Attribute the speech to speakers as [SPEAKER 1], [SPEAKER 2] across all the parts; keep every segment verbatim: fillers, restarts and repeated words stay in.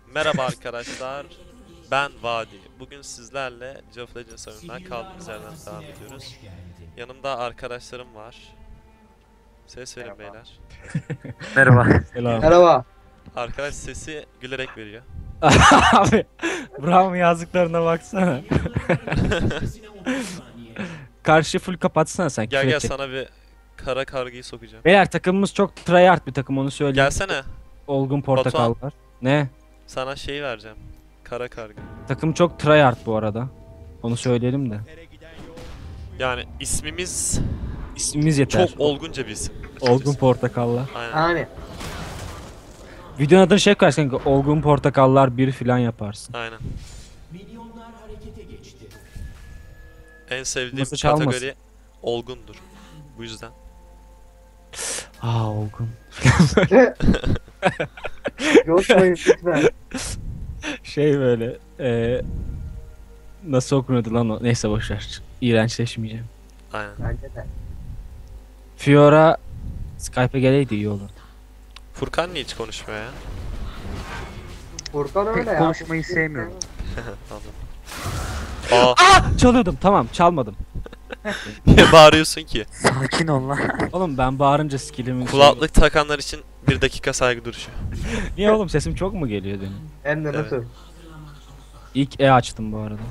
[SPEAKER 1] Merhaba arkadaşlar, ben Vadi. Bugün sizlerle League of Legends oyunundan kaldığımız yerden devam ediyoruz. Yanımda arkadaşlarım var. Ses verin
[SPEAKER 2] Merhaba.
[SPEAKER 1] beyler.
[SPEAKER 2] Merhaba.
[SPEAKER 3] Selam.
[SPEAKER 4] Merhaba.
[SPEAKER 1] Arkadaş sesi gülerek veriyor.
[SPEAKER 3] Abi Bravo yazdıklarına baksana. Karşı full kapatsana sen.
[SPEAKER 1] Gel
[SPEAKER 3] küfür
[SPEAKER 1] gel
[SPEAKER 3] edecek.
[SPEAKER 1] sana bir kara kargıyı sokacağım.
[SPEAKER 3] Beyler takımımız çok tryhard bir takım, onu söyleyeyim.
[SPEAKER 1] Gelsene,
[SPEAKER 3] Olgun portakal var. Ne?
[SPEAKER 1] sana şeyi vereceğim. Kara kargı.
[SPEAKER 3] Takım çok tryhard bu arada. Onu söyleyelim de.
[SPEAKER 1] Yani ismimiz
[SPEAKER 3] İsmimiz yeter.
[SPEAKER 1] çok olgunca bir isim.
[SPEAKER 3] Olgun portakallar.
[SPEAKER 1] Aynen.
[SPEAKER 4] Yani
[SPEAKER 3] Videonun adını şey koyarsın kanka. Olgun portakallar bir filan yaparsın.
[SPEAKER 1] Aynen. En sevdiğim
[SPEAKER 3] Nasıl çalmasın?
[SPEAKER 1] kategori olgundur. Bu yüzden.
[SPEAKER 3] Aa olgun.
[SPEAKER 4] coşmayın lütfen.
[SPEAKER 3] Şey böyle. eee nasıl okunuyordu lan o? Neyse boşver. İğrençleşmeyeceğim.
[SPEAKER 1] Aynen.
[SPEAKER 4] Bence de.
[SPEAKER 3] Fiora Skype'e geleydi iyi olur.
[SPEAKER 1] Furkan niye hiç konuşmuyor ya?
[SPEAKER 4] Furkan öyle
[SPEAKER 2] Pek
[SPEAKER 4] ya.
[SPEAKER 2] konuşmayı sevmiyorum.
[SPEAKER 1] Anladım. Aa,
[SPEAKER 3] Çalıyordum, tamam çalmadım.
[SPEAKER 1] niye bağırıyorsun ki?
[SPEAKER 2] Sakin ol lan.
[SPEAKER 3] Oğlum ben bağırınca skill'imin...
[SPEAKER 1] Kulaklık takanlar için bir dakika saygı duruşu.
[SPEAKER 3] Niye oğlum, sesim çok mu geliyor benim?
[SPEAKER 4] Hem de nasıl?
[SPEAKER 3] İlk E açtım bu arada.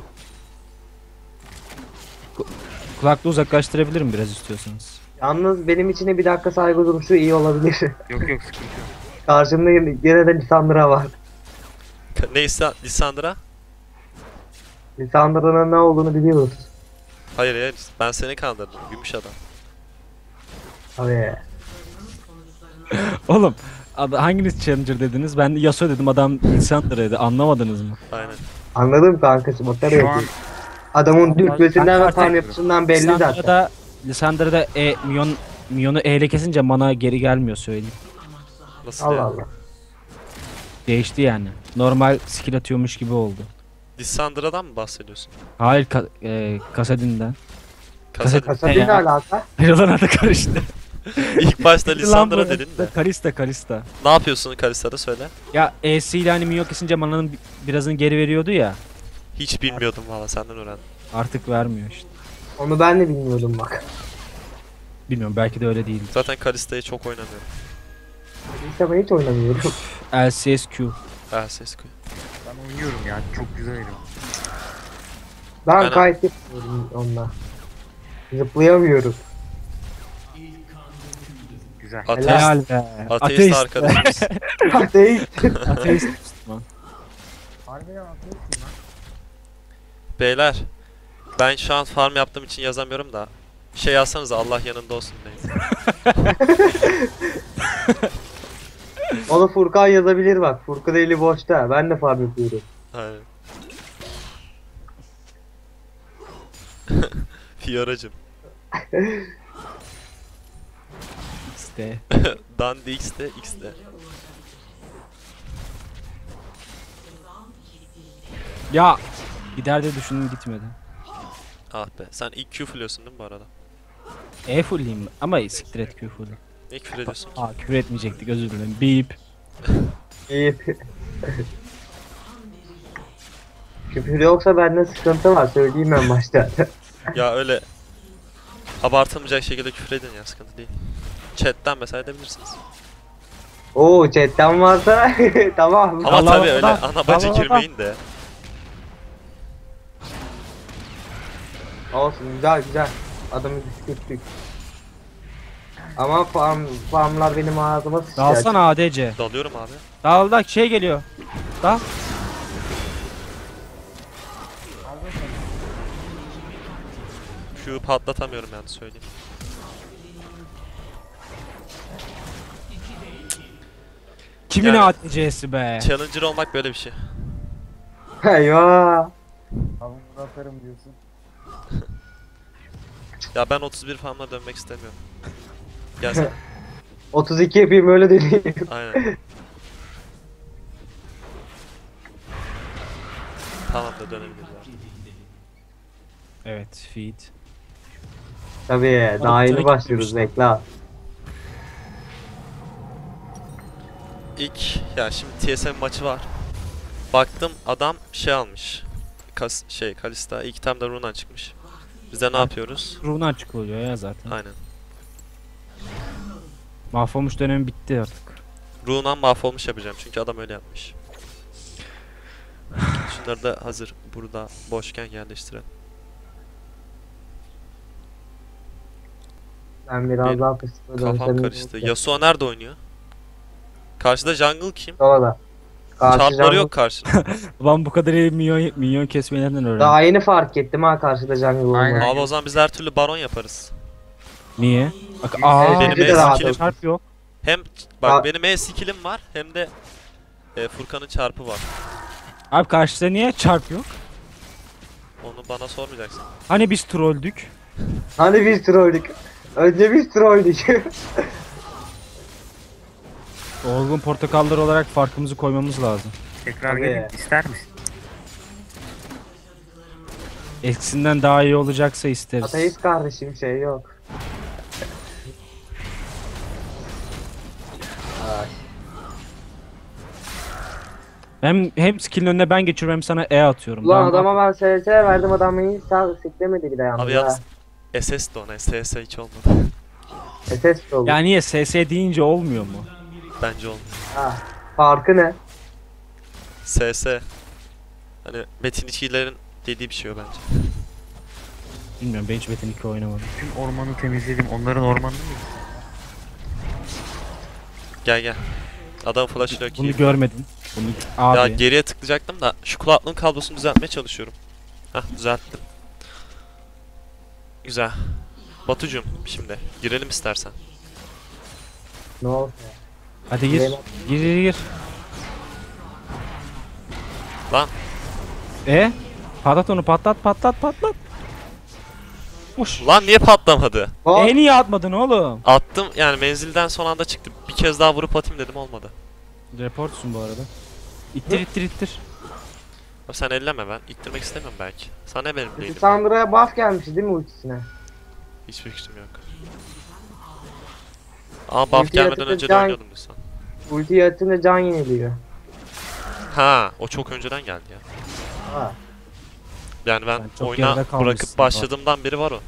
[SPEAKER 3] Ku- Kulaklığı uzaklaştırabilirim biraz istiyorsanız.
[SPEAKER 4] Yalnız benim için de bir dakika saygı duruşu iyi olabilir.
[SPEAKER 2] Yok yok sıkıntı yok.
[SPEAKER 4] Karşımda yine yine de Lisandra var.
[SPEAKER 1] Ka- Neyse Lisandra?
[SPEAKER 4] Lisandra'nın ne olduğunu biliyoruz.
[SPEAKER 1] Hayır hayır ben seni kandırdım gümüş adam.
[SPEAKER 4] Abi.
[SPEAKER 3] Oğlum ad- hanginiz Challenger dediniz? Ben Yasuo dedim, adam Lissandra dedi. Anlamadınız mı?
[SPEAKER 1] Aynen.
[SPEAKER 4] Anladım kankası. Makara
[SPEAKER 2] Şu an
[SPEAKER 4] yapıyor. Adamın dürtmesinden ve
[SPEAKER 3] Ben-
[SPEAKER 4] farm yapısından belli zaten.
[SPEAKER 3] Lissandra'da, Lissandra'da E, Mion, Mion'u E ile kesince mana geri gelmiyor söyleyeyim.
[SPEAKER 1] Nasıl
[SPEAKER 4] Allah
[SPEAKER 1] ya?
[SPEAKER 4] Allah.
[SPEAKER 3] Değişti yani. Normal skill atıyormuş gibi oldu.
[SPEAKER 1] Lisandra'dan mı bahsediyorsun?
[SPEAKER 3] Hayır ka- e, Kasadin'den.
[SPEAKER 1] Kasadin.
[SPEAKER 4] Kasadin ne
[SPEAKER 3] Ya.
[SPEAKER 4] alaka?
[SPEAKER 3] Hayrolan adı karıştı.
[SPEAKER 1] İlk başta
[SPEAKER 3] Lan
[SPEAKER 1] Lisandra
[SPEAKER 3] bu-
[SPEAKER 1] dedin de.
[SPEAKER 3] Kalista Kalista.
[SPEAKER 1] Ne yapıyorsun Kalista'da söyle.
[SPEAKER 3] Ya E'si ile hani Mio kesince mananın bi- birazını geri veriyordu ya.
[SPEAKER 1] Hiç bilmiyordum valla senden öğrendim.
[SPEAKER 3] Artık vermiyor işte.
[SPEAKER 4] Onu ben de bilmiyordum bak.
[SPEAKER 3] Bilmiyorum, belki de öyle değil.
[SPEAKER 1] Zaten Kalista'yı çok oynamıyorum.
[SPEAKER 4] İşte ben hiç oynamıyorum.
[SPEAKER 3] L C S Q.
[SPEAKER 1] Ah ses koy.
[SPEAKER 2] Ben oynuyorum ya. Çok güzel oynuyorum.
[SPEAKER 4] Ben
[SPEAKER 1] Aynen.
[SPEAKER 4] kayıt yapmıyorum onunla. Zıplayamıyorum.
[SPEAKER 2] Güzel.
[SPEAKER 1] Ateist,
[SPEAKER 3] Helal be.
[SPEAKER 1] ateist,
[SPEAKER 3] Ateist.
[SPEAKER 1] arkadaşımız.
[SPEAKER 4] Ateist.
[SPEAKER 3] Ateist Müslüman.
[SPEAKER 2] Harbiden ateistim lan.
[SPEAKER 1] Beyler. Ben şu an farm yaptığım için yazamıyorum da. Şey yazsanıza Allah yanında olsun deyin.
[SPEAKER 4] Onu Furkan yazabilir bak. Furkan eli boşta. Ben de farm yapıyorum.
[SPEAKER 1] Aynen. Fioracım.
[SPEAKER 3] İşte.
[SPEAKER 1] Dandy X'de X'de.
[SPEAKER 3] Ya gider de düşündüm, gitmedi.
[SPEAKER 1] Ah be. Sen ilk Q fullüyorsun değil mi bu arada?
[SPEAKER 3] E fulleyim ama siktir et Q full'ü.
[SPEAKER 1] Ne küfür ediyorsun?
[SPEAKER 3] Aa küfür etmeyecektik, özür dilerim. Beep.
[SPEAKER 4] İyi. Küfür yoksa bende sıkıntı var. Söyleyeyim ben başta.
[SPEAKER 1] Ya öyle abartılmayacak şekilde küfür edin ya sıkıntı değil. Chat'ten mesela edebilirsiniz.
[SPEAKER 4] Oo chatten varsa tamam.
[SPEAKER 1] Ama
[SPEAKER 3] Allah
[SPEAKER 1] tabii öyle
[SPEAKER 3] Allah,
[SPEAKER 1] ana bacı
[SPEAKER 3] Allah
[SPEAKER 1] girmeyin de.
[SPEAKER 4] Olsun güzel güzel. Adamı düşürttük. Ama farm, farmlar benim ağzıma sıçacak.
[SPEAKER 3] Dalsana A D C.
[SPEAKER 1] Dalıyorum abi.
[SPEAKER 3] Dal da şey geliyor. Dal.
[SPEAKER 1] Q'yu patlatamıyorum yani söyleyeyim.
[SPEAKER 3] Kimin
[SPEAKER 1] Yani-
[SPEAKER 3] A D C'si be?
[SPEAKER 1] Challenger olmak böyle bir şey.
[SPEAKER 4] Eyvah.
[SPEAKER 2] Havamda atarım diyorsun.
[SPEAKER 1] Ya ben otuz bir farmla dönmek istemiyorum. Gel sen.
[SPEAKER 4] otuz iki yapayım öyle deneyeyim.
[SPEAKER 1] Aynen. Tamam da dönebiliriz artık.
[SPEAKER 3] Evet, feed.
[SPEAKER 4] Tabii daha yeni başlıyoruz bekle.
[SPEAKER 1] İlk ya şimdi T S M maçı var. Baktım adam şey almış. Kas şey Kalista ilk tam da Runan çıkmış. Biz de ne yapıyoruz?
[SPEAKER 3] Rune açık oluyor ya zaten.
[SPEAKER 1] Aynen.
[SPEAKER 3] Mahvolmuş dönemi bitti artık.
[SPEAKER 1] Runan mahvolmuş yapacağım çünkü adam öyle yapmış. Şunları da hazır burada boşken yerleştirelim.
[SPEAKER 4] Ben biraz
[SPEAKER 1] Benim
[SPEAKER 4] daha fıstıkla
[SPEAKER 1] Kafam
[SPEAKER 4] dönsem.
[SPEAKER 1] karıştı. Yasuo nerede oynuyor? Karşıda jungle kim?
[SPEAKER 4] Sola. Karşı
[SPEAKER 1] Çarpları
[SPEAKER 4] jungle-
[SPEAKER 1] yok karşıda.
[SPEAKER 3] Ulan bu kadar iyi minyon, minyon kesmelerinden öğrendim.
[SPEAKER 4] Daha yeni fark ettim ha karşıda jungle olmayı.
[SPEAKER 2] Aynen.
[SPEAKER 1] Abi o zaman biz her türlü baron yaparız.
[SPEAKER 3] Niye? Bak aa
[SPEAKER 1] Benim
[SPEAKER 4] de rahat
[SPEAKER 1] skillim-
[SPEAKER 4] olsun.
[SPEAKER 3] çarp yok.
[SPEAKER 1] Hem bak
[SPEAKER 4] Aa.
[SPEAKER 1] benim E skillim var hem de e, Furkan'ın çarpı var.
[SPEAKER 3] Abi karşıda niye çarp yok?
[SPEAKER 1] Onu bana sormayacaksın.
[SPEAKER 3] Hani biz trolldük?
[SPEAKER 4] Hani biz trolldük. Önce biz trolldük.
[SPEAKER 3] Olgun portakallar olarak farkımızı koymamız lazım.
[SPEAKER 2] Tekrar
[SPEAKER 4] Tabii.
[SPEAKER 2] gelin ister misin?
[SPEAKER 3] Eskisinden daha iyi olacaksa isteriz.
[SPEAKER 4] Ateist kardeşim şey yok. Ay.
[SPEAKER 3] Hem hem skill'in önüne ben geçiyorum hem sana E atıyorum.
[SPEAKER 4] Ulan
[SPEAKER 3] Daha-
[SPEAKER 4] adama ben S S verdim adam iyi sağ siklemedi bir de yalnız
[SPEAKER 1] Abi
[SPEAKER 4] ha.
[SPEAKER 1] yalnız S S de ona S S hiç olmadı.
[SPEAKER 4] S S de oldu.
[SPEAKER 3] Ya niye S S deyince olmuyor mu?
[SPEAKER 1] Bence olmadı.
[SPEAKER 4] Ha. Farkı ne?
[SPEAKER 1] S S. Hani Metin ikilerin dediği bir şey o bence.
[SPEAKER 3] Bilmiyorum ben hiç Metin iki oynamadım.
[SPEAKER 2] Tüm ormanı temizledim. Onların ormanını mı?
[SPEAKER 1] Gel gel. Adam flash'ı yok
[SPEAKER 3] Bunu
[SPEAKER 1] iyi.
[SPEAKER 3] görmedin. Bunu abi.
[SPEAKER 1] Ya geriye tıklayacaktım da şu kulaklığın kablosunu düzeltmeye çalışıyorum. Hah düzelttim. Güzel. Batucuğum şimdi girelim istersen.
[SPEAKER 4] Ne oldu?
[SPEAKER 3] Hadi gir.
[SPEAKER 4] Girelim.
[SPEAKER 3] Gir gir gir.
[SPEAKER 1] Lan
[SPEAKER 3] E? Patlat onu patlat patlat patlat. Uş.
[SPEAKER 1] lan niye patlamadı?
[SPEAKER 4] Hop.
[SPEAKER 3] E niye atmadın oğlum?
[SPEAKER 1] Attım yani menzilden son anda çıktı. Bir kez daha vurup atayım dedim olmadı.
[SPEAKER 3] Reportsun bu arada. İttir ittir ittir.
[SPEAKER 1] Abi sen elleme ben. İttirmek istemiyorum belki. Sana ne benim değilim.
[SPEAKER 4] Sandra'ya buff gelmiş değil mi ultisine?
[SPEAKER 1] Hiçbir fikrim yok. Ama buff
[SPEAKER 4] Ulti
[SPEAKER 1] gelmeden
[SPEAKER 4] yatırınca
[SPEAKER 1] önce de
[SPEAKER 4] can-
[SPEAKER 1] oynuyordum lütfen.
[SPEAKER 4] Ulti atınca can yeniliyor.
[SPEAKER 1] Ha, o çok önceden geldi ya.
[SPEAKER 4] Ha.
[SPEAKER 1] Yani ben
[SPEAKER 3] Sen çok
[SPEAKER 1] oyuna
[SPEAKER 3] geride kalmışsın
[SPEAKER 1] bırakıp
[SPEAKER 3] bak.
[SPEAKER 1] başladığımdan beri var o.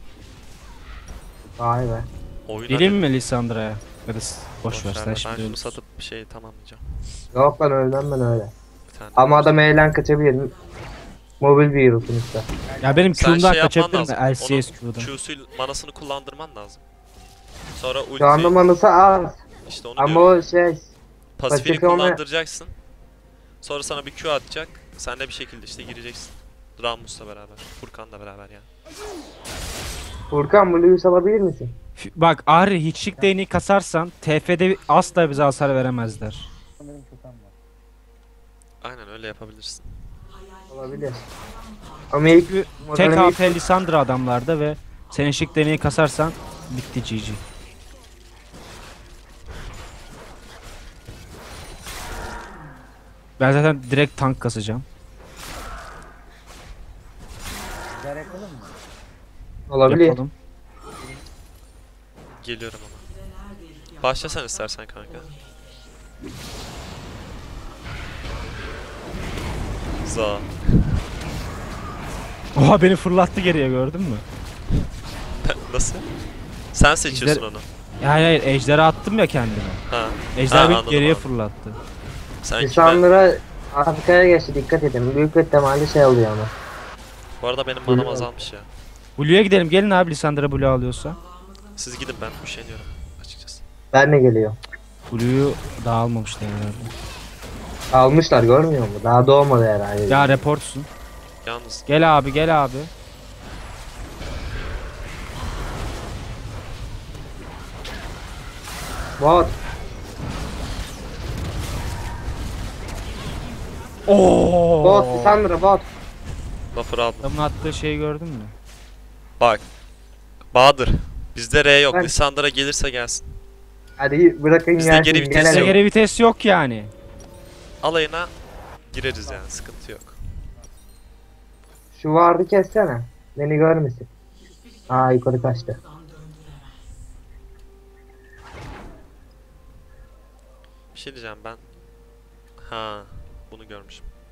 [SPEAKER 4] Vay be.
[SPEAKER 1] Oyuna
[SPEAKER 3] Geleyim mi Lissandra'ya? Ya da s- boş ver
[SPEAKER 1] ver,
[SPEAKER 3] sen
[SPEAKER 1] ben
[SPEAKER 3] şimdi
[SPEAKER 1] şunu
[SPEAKER 3] ölürsün.
[SPEAKER 1] satıp bir şey tamamlayacağım.
[SPEAKER 4] Yok lan ölmem ben öyle.
[SPEAKER 1] Bir tane.
[SPEAKER 4] Ama adam eğlen kaçabilir. Mobil bir hero sonuçta.
[SPEAKER 3] Ya benim
[SPEAKER 1] Sen
[SPEAKER 3] Q'mdan
[SPEAKER 1] şey yapman
[SPEAKER 3] kaçabilir mi?
[SPEAKER 1] lazım.
[SPEAKER 3] L C S Q'dan.
[SPEAKER 1] Q'su manasını kullandırman lazım. Sonra
[SPEAKER 4] Şu anda
[SPEAKER 1] ulti
[SPEAKER 4] manası az.
[SPEAKER 1] işte onu
[SPEAKER 4] Ama
[SPEAKER 1] diyorum.
[SPEAKER 4] o şey
[SPEAKER 1] Pasifini
[SPEAKER 4] Paçaka onu-
[SPEAKER 1] kullandıracaksın. Sonra sana bir Q atacak. Sen de bir şekilde işte gireceksin. Ramus'la beraber. Furkan'la beraber yani.
[SPEAKER 4] Furkan Blue'yu salabilir misin?
[SPEAKER 3] F- Bak Ahri hiçlik değneği kasarsan T F'de asla bize hasar veremezler.
[SPEAKER 2] Sanırım kötem var.
[SPEAKER 1] Aynen öyle yapabilirsin.
[SPEAKER 4] Olabilir. Ama ilk
[SPEAKER 3] Tek
[SPEAKER 4] modelin
[SPEAKER 3] A
[SPEAKER 4] ilk-
[SPEAKER 3] P Lissandra adamlarda ve sen ışık değneği kasarsan bitti G G. Ben zaten direkt tank kasacağım.
[SPEAKER 2] Güzel yapalım mı?
[SPEAKER 4] olabilir.
[SPEAKER 3] Yapalım.
[SPEAKER 1] Geliyorum ama. Başlasan istersen kanka. Za.
[SPEAKER 3] Oha beni fırlattı geriye gördün mü?
[SPEAKER 1] Nasıl? Sen seçiyorsun
[SPEAKER 3] Bizler-
[SPEAKER 1] onu.
[SPEAKER 3] Ya hayır hayır ejderi attım ya kendime.
[SPEAKER 1] Ha.
[SPEAKER 3] Ejder
[SPEAKER 1] Ha,
[SPEAKER 3] beni
[SPEAKER 1] anladım,
[SPEAKER 3] geriye
[SPEAKER 1] anladım.
[SPEAKER 3] fırlattı.
[SPEAKER 1] Sen kime?
[SPEAKER 4] İnsanlara arkaya geçti dikkat edin. Büyük ihtimalle şey oluyor ama.
[SPEAKER 1] Bu arada benim manam azalmış ya.
[SPEAKER 3] Blue'ya gidelim gelin abi Lissandra Blue alıyorsa.
[SPEAKER 1] Siz gidin ben üşeniyorum açıkçası.
[SPEAKER 4] Ben ne geliyor?
[SPEAKER 3] Blue'yu daha almamışlar herhalde.
[SPEAKER 4] Almışlar görmüyor musun? Daha doğmadı herhalde.
[SPEAKER 3] Ya reportsun.
[SPEAKER 1] Yalnız
[SPEAKER 3] Gel abi gel abi.
[SPEAKER 4] Bot.
[SPEAKER 3] Oo.
[SPEAKER 4] Bot. Sandra bot.
[SPEAKER 1] buffer aldım.
[SPEAKER 3] Adamın attığı şeyi gördün mü?
[SPEAKER 1] Bak. Bahadır. Bizde R yok.
[SPEAKER 4] Ben-
[SPEAKER 1] Lissandra gelirse gelsin.
[SPEAKER 4] Hadi bırakın
[SPEAKER 1] Bizde
[SPEAKER 4] gelsin.
[SPEAKER 1] geri vites
[SPEAKER 4] gelelim.
[SPEAKER 3] Bize
[SPEAKER 1] yok.
[SPEAKER 3] geri vites yok yani.
[SPEAKER 1] Alayına gireriz yani sıkıntı yok.
[SPEAKER 4] Şu vardı kessene. Beni görmesin. Aa yukarı kaçtı.
[SPEAKER 1] Bir şey diyeceğim ben. Ha, bunu görmüşüm.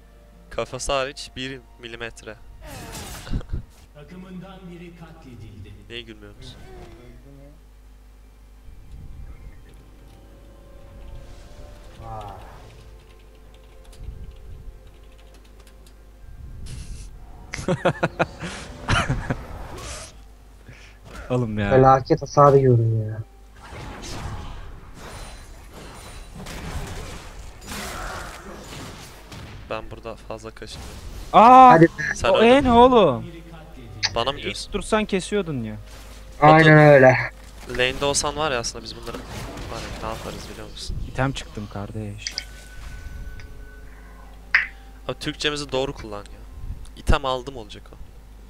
[SPEAKER 1] Kafası hariç bir milimetre.
[SPEAKER 5] Takımından biri katledildi.
[SPEAKER 1] Niye gülmüyorsunuz?
[SPEAKER 4] Vay.
[SPEAKER 3] Oğlum ya.
[SPEAKER 4] Felaket hasar yiyorum ya.
[SPEAKER 1] Ben burada fazla kaşınıyorum.
[SPEAKER 3] Aa!
[SPEAKER 4] Hadi.
[SPEAKER 1] Sen
[SPEAKER 3] O
[SPEAKER 1] öldün.
[SPEAKER 3] e ne oğlum?
[SPEAKER 1] Bana mı
[SPEAKER 3] İlk
[SPEAKER 1] diyorsun?
[SPEAKER 3] dursan kesiyordun ya.
[SPEAKER 4] Aynen öyle.
[SPEAKER 1] Lane'de olsan var ya aslında biz bunları var ya, ne yaparız biliyor musun?
[SPEAKER 3] İtem çıktım kardeş.
[SPEAKER 1] Abi Türkçemizi doğru kullan ya. İtem aldım olacak o.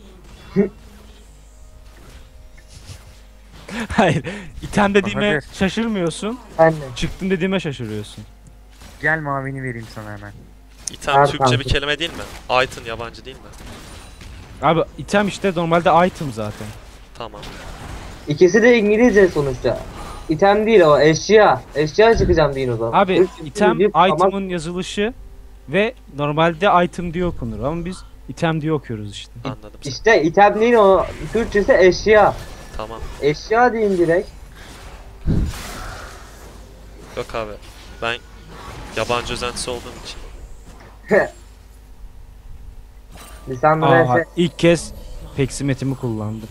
[SPEAKER 3] Hayır. İtem dediğime
[SPEAKER 2] Bahadır.
[SPEAKER 3] şaşırmıyorsun.
[SPEAKER 4] Ben de.
[SPEAKER 3] Çıktım dediğime şaşırıyorsun.
[SPEAKER 2] Gel mavini vereyim sana hemen.
[SPEAKER 1] İtem
[SPEAKER 4] Ver
[SPEAKER 1] Türkçe bir
[SPEAKER 4] kanka.
[SPEAKER 1] kelime değil mi? Item yabancı değil mi?
[SPEAKER 3] Abi item işte normalde item zaten.
[SPEAKER 1] Tamam.
[SPEAKER 4] İkisi de İngilizce sonuçta. İtem değil o, eşya. Eşya çıkacağım deyin o zaman.
[SPEAKER 3] Abi
[SPEAKER 4] Türkçe
[SPEAKER 3] item
[SPEAKER 4] deyip ama
[SPEAKER 3] item'ın yazılışı ve normalde item diye okunur ama biz item diye okuyoruz işte.
[SPEAKER 1] Anladım seni.
[SPEAKER 4] İşte item değil o, Türkçesi eşya.
[SPEAKER 1] Tamam.
[SPEAKER 4] Eşya deyin direkt.
[SPEAKER 1] Yok abi. Ben yabancı özentisi olduğum için.
[SPEAKER 4] Lisandro
[SPEAKER 3] Aha,
[SPEAKER 4] ise
[SPEAKER 3] ilk kez peksimetimi kullandım.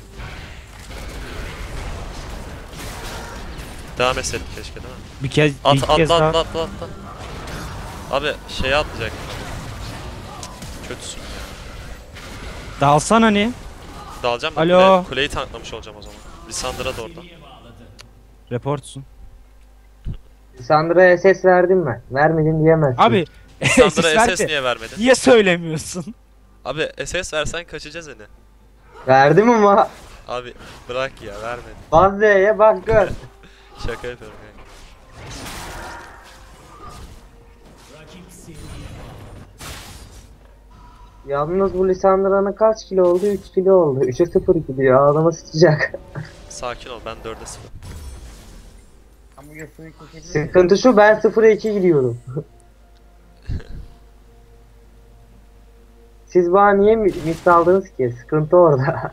[SPEAKER 1] Devam etseydik keşke değil mi?
[SPEAKER 3] Bir kez
[SPEAKER 1] At
[SPEAKER 3] ilk
[SPEAKER 1] atla
[SPEAKER 3] kez
[SPEAKER 1] atla
[SPEAKER 3] daha
[SPEAKER 1] atla atla. Abi şeye atlayacak. Kötüsün ya.
[SPEAKER 3] dalsan hani
[SPEAKER 1] Dalacağım da
[SPEAKER 3] Alo.
[SPEAKER 1] kule- kuleyi tanklamış olacağım o zaman. Lisandra da orada.
[SPEAKER 3] reportsun.
[SPEAKER 4] Lisandro'ya ses verdim ben. Vermedim diyemezsin.
[SPEAKER 3] Abi
[SPEAKER 1] Lisandra
[SPEAKER 3] ses ver
[SPEAKER 1] S S
[SPEAKER 3] de,
[SPEAKER 1] niye vermedin?
[SPEAKER 3] niye söylemiyorsun?
[SPEAKER 1] Abi S S versen kaçacağız hani.
[SPEAKER 4] Verdim ama.
[SPEAKER 1] Abi bırak ya vermedin.
[SPEAKER 4] Baz Z'ye bak gör.
[SPEAKER 1] Şaka yapıyorum yani.
[SPEAKER 4] Yalnız bu Lisandro'nın kaç kilo oldu? üç kilo oldu. üçe sıfır gidiyor. Ağzıma sıçacak.
[SPEAKER 1] Sakin ol ben dörde sıfır.
[SPEAKER 2] Ama Yasuo'yu kesebilir.
[SPEAKER 4] Sıkıntı şu, ben sıfıra iki gidiyorum. Siz bana niye mi- mis aldınız ki? Sıkıntı orada.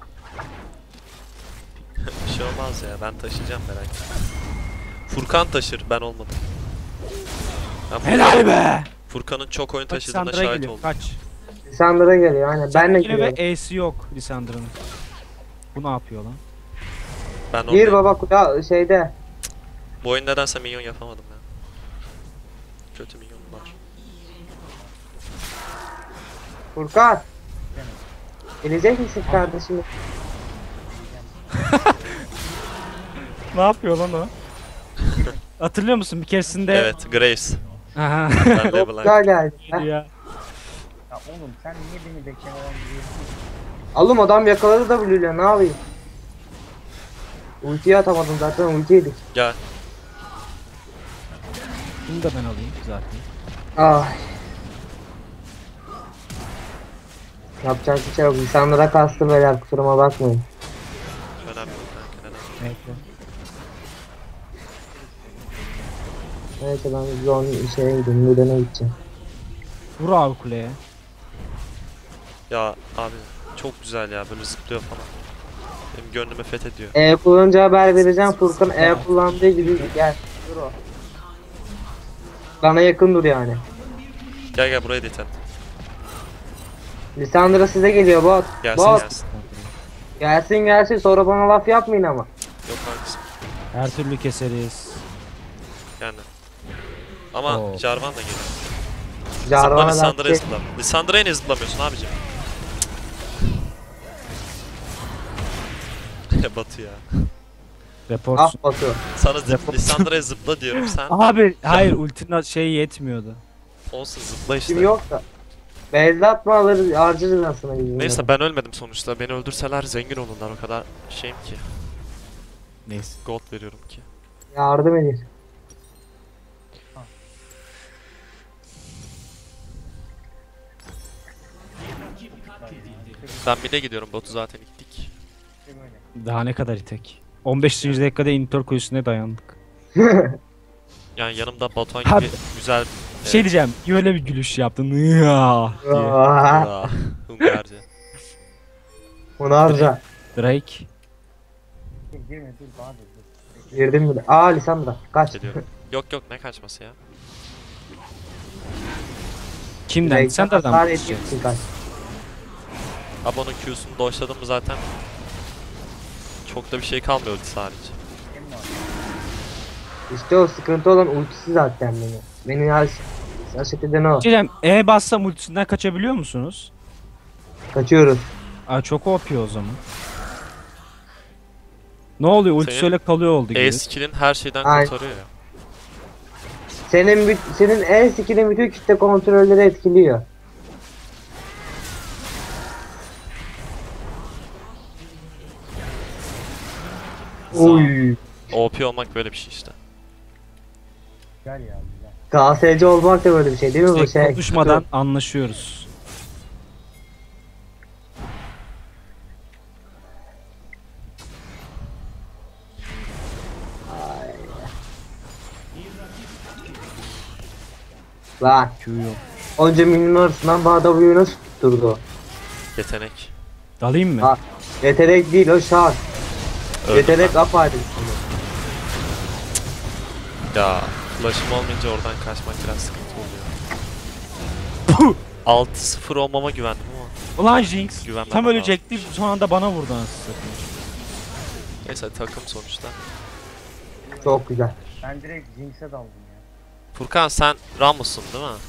[SPEAKER 1] Bir şey olmaz ya ben taşıyacağım merak etme. Furkan taşır ben olmadım. Ben Furkan-
[SPEAKER 3] Helal be!
[SPEAKER 1] Furkan'ın çok oyun
[SPEAKER 3] Bak
[SPEAKER 1] taşıdığına
[SPEAKER 3] Lisandra
[SPEAKER 1] şahit
[SPEAKER 3] geliyor
[SPEAKER 1] oldum.
[SPEAKER 3] kaç.
[SPEAKER 4] Lisandro geliyor aynen. Ben de
[SPEAKER 3] Yine ve
[SPEAKER 4] geliyorum.
[SPEAKER 3] E'si yok Lisandra'nın. Bu ne yapıyor lan?
[SPEAKER 1] Ben
[SPEAKER 4] Gir
[SPEAKER 1] oradayım.
[SPEAKER 4] baba kuda şeyde.
[SPEAKER 1] Bu oyun nedense minyon yapamadım ya. Kötü minyon var.
[SPEAKER 4] Furkan. Gelecek misin kardeşim?
[SPEAKER 3] Ne yapıyor lan o? Hatırlıyor musun bir keresinde?
[SPEAKER 1] Evet Graves.
[SPEAKER 3] Aha.
[SPEAKER 1] Ben
[SPEAKER 4] Çok
[SPEAKER 1] LeBlanc.
[SPEAKER 4] güzel geldi. Heh.
[SPEAKER 3] ya.
[SPEAKER 2] Ya oğlum sen niye beni beklemeden gidiyorsun?
[SPEAKER 4] Oğlum adam yakaladı da Blue'yle, ne yapayım? Ultiyi atamadım zaten, ulti yedik.
[SPEAKER 1] Gel.
[SPEAKER 3] Bunu da ben alayım zaten.
[SPEAKER 4] Ah. Yapacak bir şey yok. İnsanlara kastım beyler, kusuruma bakmayın.
[SPEAKER 1] Önemli değil kanka önemli.
[SPEAKER 3] Evet.
[SPEAKER 4] Neyse ben zon şeye gideyim, Müden'e gideceğim.
[SPEAKER 3] Vur abi kuleye.
[SPEAKER 1] Ya abi çok güzel ya böyle zıplıyor falan. Benim gönlümü fethediyor.
[SPEAKER 4] E kullanınca haber vereceğim, Furkan E kullandığı gibi gel. Dur o. Bana yakın dur yani.
[SPEAKER 1] Gel gel buraya deten.
[SPEAKER 4] Lisandra size geliyor bot.
[SPEAKER 1] Gelsin
[SPEAKER 4] Bot.
[SPEAKER 1] gelsin.
[SPEAKER 4] Gelsin gelsin, sonra bana laf yapmayın ama.
[SPEAKER 1] Yok hangisi?
[SPEAKER 3] Her türlü keseriz.
[SPEAKER 1] Yani. Ama
[SPEAKER 3] Oo.
[SPEAKER 1] Jarvan da geliyor. Zıpla
[SPEAKER 4] Jarvan'a laf
[SPEAKER 1] Lissandra'ya
[SPEAKER 4] şey.
[SPEAKER 1] zıpla. Lissandra'ya niye zıplamıyorsun abicim? Batu ya.
[SPEAKER 3] Report.
[SPEAKER 4] Ah Batu.
[SPEAKER 1] Sana zıp,
[SPEAKER 3] Defol.
[SPEAKER 1] Lissandra'ya zıpla diyorum sen.
[SPEAKER 3] Abi hayır ultinin şey yetmiyordu.
[SPEAKER 1] Olsun zıpla işte.
[SPEAKER 4] Kim yok da. Beyzde atma alırız, harcarız aslında bizim.
[SPEAKER 1] Neyse ben ölmedim sonuçta. Beni öldürseler zengin olurlar o kadar şeyim ki.
[SPEAKER 3] Neyse.
[SPEAKER 1] Gold veriyorum ki.
[SPEAKER 4] Yardım edin.
[SPEAKER 1] Ben bir de gidiyorum botu zaten gittik.
[SPEAKER 3] Daha ne kadar itek. on beşinci dakikada inhibitor kulesine dayandık.
[SPEAKER 1] Yani yanımda Batuhan
[SPEAKER 3] Abi.
[SPEAKER 1] gibi güzel
[SPEAKER 3] Bir şey diyeceğim. Öyle bir gülüş yaptın. Ya diye.
[SPEAKER 4] Aa,
[SPEAKER 1] Aa, Hungarca.
[SPEAKER 4] Onu harca.
[SPEAKER 3] Drake.
[SPEAKER 2] Dur girme dur Bahadır dur.
[SPEAKER 4] Girdim bile. Aa Lisandra kaç.
[SPEAKER 1] Geliyorum. Yok yok ne kaçması ya.
[SPEAKER 3] Kimden?
[SPEAKER 4] Direkt
[SPEAKER 3] Sen nereden
[SPEAKER 4] hasar
[SPEAKER 3] bulacaksın?
[SPEAKER 4] edeceksin kaç.
[SPEAKER 1] Abi onun Q'sunu doşladım mı zaten çok da bir şey kalmıyor ultisi hariç.
[SPEAKER 2] Kim var?
[SPEAKER 4] İşte o sıkıntı olan ultisi zaten beni. Beni her şaşırt eden o.
[SPEAKER 3] Bir şey diyeceğim. E bassam ultisinden kaçabiliyor musunuz?
[SPEAKER 4] Kaçıyoruz.
[SPEAKER 3] Aa çok O P o zaman. Ne oluyor? Ultisi
[SPEAKER 1] Senin
[SPEAKER 3] öyle kalıyor oldu gibi.
[SPEAKER 1] E skill'in her şeyden
[SPEAKER 4] Aynen.
[SPEAKER 1] kurtarıyor ya.
[SPEAKER 4] Senin büt- senin el skill'in bütün kitle kontrolleri etkiliyor. Oy.
[SPEAKER 1] O P olmak böyle bir şey işte.
[SPEAKER 2] Güzel ya güzel.
[SPEAKER 4] K S C olmak da böyle bir şey değil mi bu
[SPEAKER 3] Tek
[SPEAKER 4] şey?
[SPEAKER 3] konuşmadan anlaşıyoruz.
[SPEAKER 4] Lan.
[SPEAKER 3] Q yok.
[SPEAKER 4] Onca milyon arasından bana W'yu nasıl tutturdu?
[SPEAKER 1] Yetenek.
[SPEAKER 3] Dalayım mı?
[SPEAKER 4] Ha. Yetenek değil o şart.
[SPEAKER 1] Öldüm
[SPEAKER 4] Yetenek
[SPEAKER 1] ben.
[SPEAKER 4] apayrı.
[SPEAKER 1] Ya flash'ım olmayınca oradan kaçmak biraz sıkıntı oluyor. altı sıfır olmama güvendim ama.
[SPEAKER 3] Ulan Jinx.
[SPEAKER 1] Güvenmem
[SPEAKER 3] Tam
[SPEAKER 1] lazım.
[SPEAKER 3] ölecekti. Son anda bana vurdu anasını satayım.
[SPEAKER 1] Neyse takım sonuçta.
[SPEAKER 4] Çok güzel.
[SPEAKER 2] Ben direkt Jinx'e daldım ya.
[SPEAKER 1] Furkan sen Ramus'un değil mi?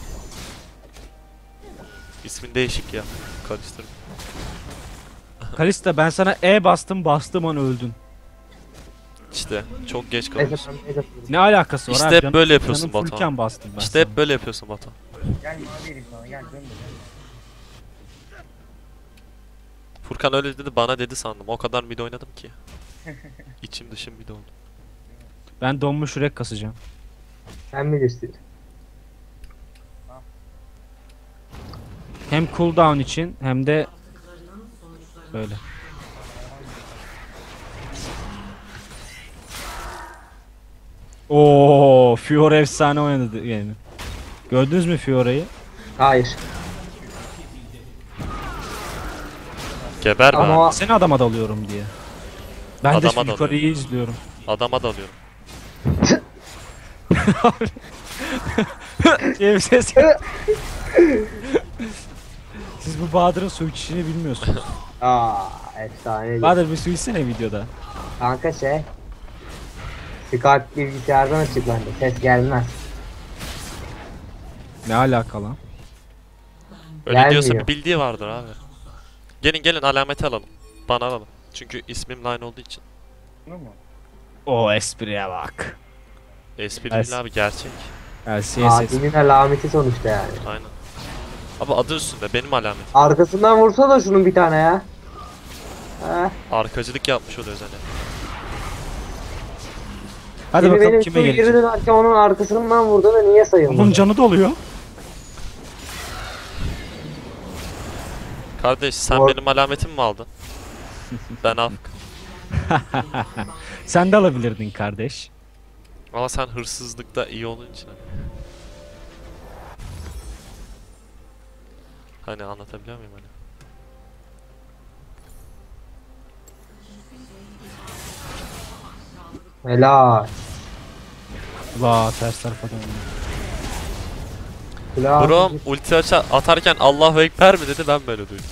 [SPEAKER 1] İsmin değişik ya. Karıştırdım.
[SPEAKER 3] Kalista ben sana E bastım bastım an öldün.
[SPEAKER 1] İşte çok geç
[SPEAKER 4] Neyse
[SPEAKER 1] kalıyorsun.
[SPEAKER 4] ben neyse.
[SPEAKER 3] Ne alakası var
[SPEAKER 1] İşte
[SPEAKER 3] abi?
[SPEAKER 1] hep
[SPEAKER 3] Canım-
[SPEAKER 1] böyle yapıyorsun
[SPEAKER 3] canım
[SPEAKER 1] Batuhan.
[SPEAKER 3] fullken bastım ben
[SPEAKER 1] İşte
[SPEAKER 3] sana.
[SPEAKER 1] hep böyle yapıyorsun Batu.
[SPEAKER 2] Gel mavi vereyim sana gel dön de gel.
[SPEAKER 1] Furkan öyle dedi bana dedi sandım. O kadar mid oynadım ki. İçim dışım mid oldu.
[SPEAKER 3] Ben donmuş yürek kasacağım.
[SPEAKER 4] Sen bilirsin.
[SPEAKER 3] Hem cooldown için hem de böyle. Oo, Fiora efsane oynadı yani. Gördünüz mü Fiora'yı?
[SPEAKER 4] Hayır.
[SPEAKER 1] Geber be
[SPEAKER 4] Ama
[SPEAKER 1] abi.
[SPEAKER 3] Seni adama dalıyorum diye. Ben
[SPEAKER 1] Adama
[SPEAKER 3] de şu
[SPEAKER 1] dalıyorum.
[SPEAKER 3] yukarıyı izliyorum.
[SPEAKER 1] Adama dalıyorum.
[SPEAKER 3] diye bir ses. Siz bu Bahadır'ın su içişini bilmiyorsunuz.
[SPEAKER 4] Aa, efsane.
[SPEAKER 3] Bahadır bir su içsene videoda.
[SPEAKER 4] Kanka şey. Skype bilgisayardan açık bende. Ses gelmez.
[SPEAKER 3] Ne alaka lan?
[SPEAKER 1] Öyle
[SPEAKER 4] Gelmiyor.
[SPEAKER 1] diyorsa bir bildiği vardır abi. Gelin gelin alameti alalım. Bana alalım. Çünkü ismim line olduğu için.
[SPEAKER 2] Bunu mu?
[SPEAKER 3] O espriye bak.
[SPEAKER 1] Espri
[SPEAKER 3] Evet.
[SPEAKER 1] değil abi gerçek.
[SPEAKER 3] L C S S.
[SPEAKER 4] Adil'in alameti sonuçta yani.
[SPEAKER 1] Aynen. Abi adı üstünde benim alametim.
[SPEAKER 4] Arkasından vursa da şunun bir tane ya. Heh.
[SPEAKER 1] Arkacılık yapmış oluyor zaten.
[SPEAKER 3] Hadi
[SPEAKER 4] Şimdi
[SPEAKER 3] bakalım
[SPEAKER 4] benim
[SPEAKER 3] kime
[SPEAKER 4] şu geri
[SPEAKER 3] gelecek.
[SPEAKER 4] dönerken onun arkasından vurdu da niye sayılmadı?
[SPEAKER 3] Onun canı doluyor.
[SPEAKER 1] Kardeş sen
[SPEAKER 4] Or-
[SPEAKER 1] benim alametimi mi aldın? Ben af.
[SPEAKER 3] Sen de alabilirdin kardeş.
[SPEAKER 1] Ama sen hırsızlıkta iyi olduğun için. Hani, hani anlatabiliyor muyum hani?
[SPEAKER 4] Helal.
[SPEAKER 3] La ters tarafa döndüm.
[SPEAKER 4] Helal.
[SPEAKER 1] Bro ulti aça atarken Allahu Ekber mi dedi ben böyle duydum.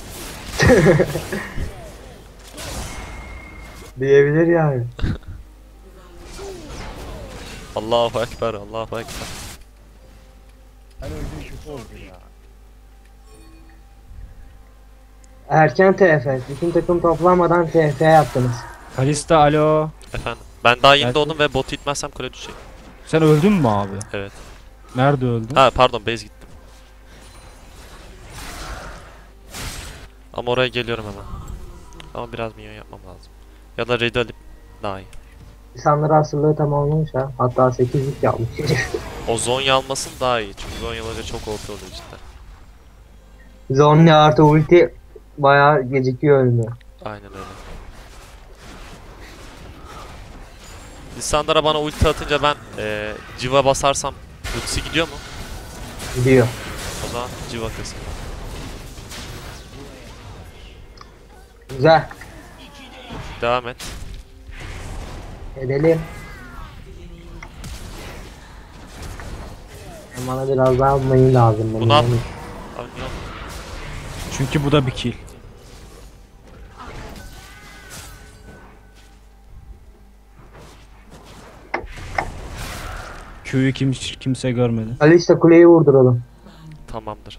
[SPEAKER 4] Diyebilir yani.
[SPEAKER 1] Allahu Ekber Allahu Ekber.
[SPEAKER 2] Ben öldüm kötü oldu ya.
[SPEAKER 4] Erken T F. Bütün takım toplanmadan T F yaptınız.
[SPEAKER 3] Kalista alo.
[SPEAKER 1] Efendim ben daha yeni
[SPEAKER 3] Belki-
[SPEAKER 1] doğdum ve botu itmezsem kule düşecek.
[SPEAKER 3] Sen öldün mü abi?
[SPEAKER 1] Evet.
[SPEAKER 3] Nerede öldün?
[SPEAKER 1] Ha pardon base gittim. Ama oraya geliyorum hemen. Ama biraz minyon yapmam lazım. Ya da raid alıp daha iyi.
[SPEAKER 4] İnsanlar asırlığı tamamlamış ha. Hatta sekizlik yapmış.
[SPEAKER 1] O Zonya almasın daha iyi. Çünkü Zonyaları çok O P oluyor cidden.
[SPEAKER 4] Zonya artı ulti bayağı gecikiyor ölümü.
[SPEAKER 1] Aynen öyle. Lissandra'ya bana ulti atınca ben eee civa basarsam ultisi gidiyor mu?
[SPEAKER 4] Gidiyor.
[SPEAKER 1] O zaman civa kısmı.
[SPEAKER 4] Güzel.
[SPEAKER 1] Devam et.
[SPEAKER 4] Edelim. Bana biraz daha mayın lazım. benim.
[SPEAKER 1] Bunu at.
[SPEAKER 4] Yani
[SPEAKER 1] Abi ne oldu?
[SPEAKER 3] Çünkü bu da bir kill. Q'yu kim, kimse görmedi.
[SPEAKER 4] Ali işte kuleyi vurduralım.
[SPEAKER 1] Tamamdır.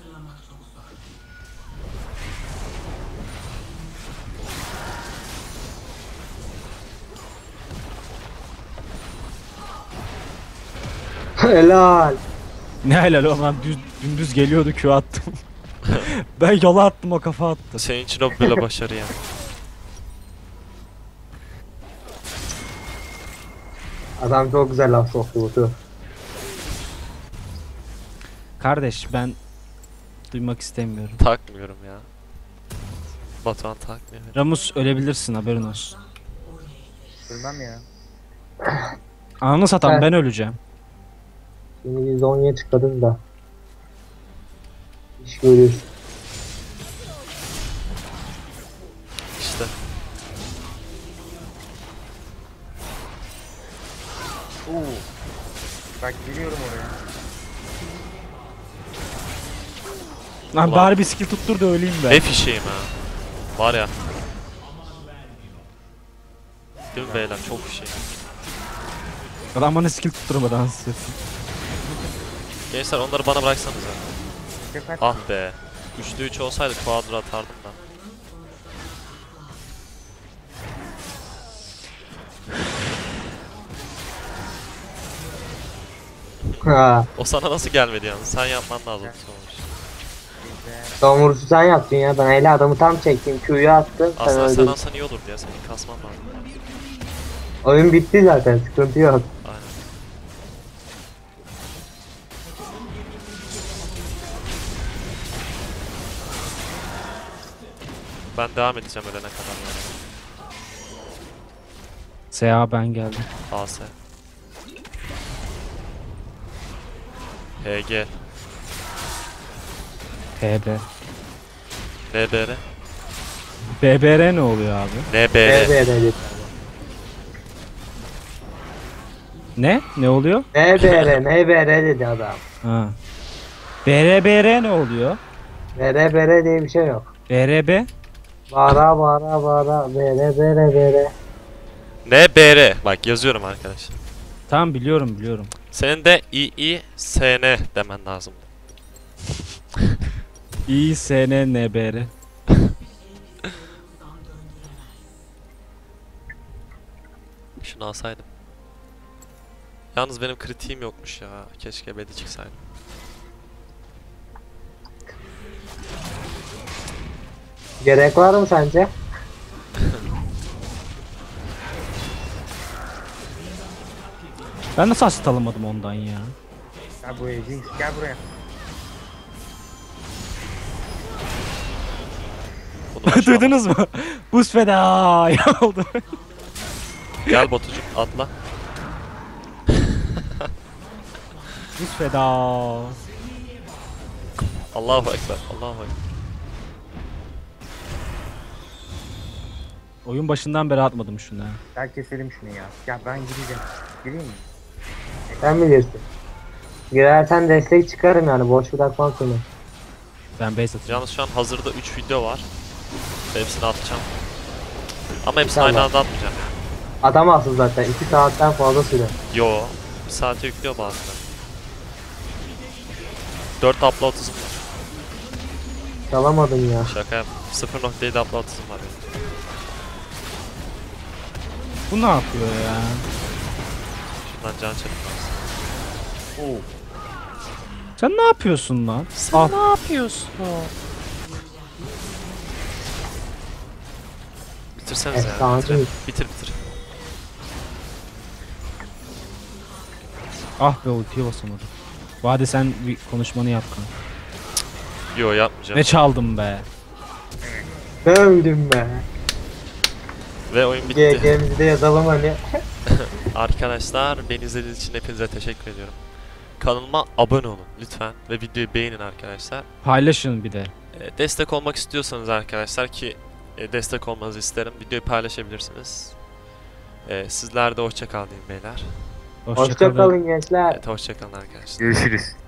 [SPEAKER 4] Helal.
[SPEAKER 3] Ne helal o lan düz, dümdüz geliyordu Q attım. Ben yola attım o kafa attı.
[SPEAKER 1] Senin için o böyle başarı yani.
[SPEAKER 4] Adam çok güzel laf soktu Batu.
[SPEAKER 3] Kardeş ben duymak istemiyorum.
[SPEAKER 1] Takmıyorum ya. Batuhan takmıyor.
[SPEAKER 3] Ramus ölebilirsin haberin olsun.
[SPEAKER 2] Bilmem ya.
[SPEAKER 3] Ananı satan
[SPEAKER 4] Evet.
[SPEAKER 3] ben öleceğim.
[SPEAKER 4] Şimdi biz Zonya'ya çıkarız da. İş görüyoruz.
[SPEAKER 1] İşte.
[SPEAKER 2] Oo. Bak giriyorum oraya.
[SPEAKER 3] Lan
[SPEAKER 1] Ulan.
[SPEAKER 3] bari bir skill tuttur da öleyim ben.
[SPEAKER 1] Ne fişeğim ha. Var ya. Değil mi beyler? Çok fişeğim.
[SPEAKER 3] Adam bana skill tutturmadı anasını.
[SPEAKER 1] Gençler onları bana bıraksanıza.
[SPEAKER 2] Sefer
[SPEAKER 1] Ah be. üçte üç olsaydı quadra atardım da.
[SPEAKER 4] Ha.
[SPEAKER 1] O sana nasıl gelmedi yalnız? Sen yapman lazım sonuç.
[SPEAKER 2] güzel.
[SPEAKER 4] Son vuruşu sen yaptın ya. Ben eli adamı tam çektim. Q'yu attım. Sen
[SPEAKER 1] Aslında sen
[SPEAKER 4] öldün.
[SPEAKER 1] alsan iyi olurdu ya. Senin kasman lazım.
[SPEAKER 4] Oyun bitti zaten. Sıkıntı yok.
[SPEAKER 1] Aynen. Ben devam edeceğim ölene kadar yani.
[SPEAKER 3] S A ben geldim.
[SPEAKER 1] A S. H G.
[SPEAKER 3] T B.
[SPEAKER 1] N B R.
[SPEAKER 3] B B R ne oluyor abi?
[SPEAKER 1] N B
[SPEAKER 4] B
[SPEAKER 1] R.
[SPEAKER 4] B R dedi.
[SPEAKER 3] Ne? Ne oluyor?
[SPEAKER 4] N B R, N B R dedi adam.
[SPEAKER 3] Ha. B R B R ne oluyor?
[SPEAKER 4] B R B R diye bir şey yok.
[SPEAKER 3] B R B?
[SPEAKER 4] Bağıra bağıra bağıra. B R B R B R.
[SPEAKER 1] N B R. Bak yazıyorum arkadaşlar.
[SPEAKER 3] Tamam biliyorum biliyorum.
[SPEAKER 1] Senin de İ İ S N demen lazım.
[SPEAKER 3] İ S N N B R.
[SPEAKER 1] Şunu alsaydım. Yalnız benim kritiğim yokmuş ya. Keşke bedi çıksaydım.
[SPEAKER 4] Gerek var mı sence?
[SPEAKER 3] Ben nasıl asit alamadım ondan ya?
[SPEAKER 2] Gel buraya Jinx gel buraya.
[SPEAKER 1] Bunu ben şu an-
[SPEAKER 3] Duydunuz mu? Buz feda ya oldu.
[SPEAKER 1] Gel Batucuğum atla.
[SPEAKER 3] Buz feda.
[SPEAKER 1] Allahu Ekber. Allahu Ekber.
[SPEAKER 3] Oyun başından beri atmadım şunu ha.
[SPEAKER 2] Gel keselim şunu ya. Gel ben gireceğim. Gireyim mi?
[SPEAKER 4] Sen bilirsin. Girersen destek çıkarım yani. Boş bırakmam seni.
[SPEAKER 3] Ben base atacağım.
[SPEAKER 1] Yalnız şu an hazırda üç video var. Hepsini atacağım. Ama hepsini
[SPEAKER 4] Tamam.
[SPEAKER 1] aynı anda atmayacağım.
[SPEAKER 4] Atamazsın zaten. iki saatten fazla süre.
[SPEAKER 1] Yo. Bir saate yüklüyor bazıları. dört upload hızım var.
[SPEAKER 4] Çalamadım ya.
[SPEAKER 1] Şaka yap. sıfır nokta yedi upload hızım var benim.
[SPEAKER 3] Bu ne yapıyor ya?
[SPEAKER 1] Şundan can çektim lazım.
[SPEAKER 2] Oo.
[SPEAKER 3] Sen ne yapıyorsun lan?
[SPEAKER 1] Sen
[SPEAKER 3] Al.
[SPEAKER 1] ne yapıyorsun? Bitirsenize ya.
[SPEAKER 4] Efsane.
[SPEAKER 1] Bitirin. Bitir bitir.
[SPEAKER 3] Ah be ultiye basamadım. Vade sen bir konuşmanı yap kanka.
[SPEAKER 1] Yo yapmayacağım.
[SPEAKER 3] Ne çaldım be?
[SPEAKER 4] Öldüm be.
[SPEAKER 1] Ve oyun bitti.
[SPEAKER 4] G G'mizi de yazalım hani.
[SPEAKER 1] Arkadaşlar beni izlediğiniz için hepinize teşekkür ediyorum. kanalıma abone olun lütfen ve videoyu beğenin arkadaşlar.
[SPEAKER 3] Paylaşın bir de.
[SPEAKER 1] E, destek olmak istiyorsanız arkadaşlar ki e, destek olmanızı isterim. Videoyu paylaşabilirsiniz. E, sizler de hoşça kalın beyler.
[SPEAKER 3] Hoşça
[SPEAKER 4] Hoşça
[SPEAKER 3] kalın.
[SPEAKER 4] kalın gençler.
[SPEAKER 1] Evet hoşça kalın arkadaşlar.
[SPEAKER 2] Görüşürüz.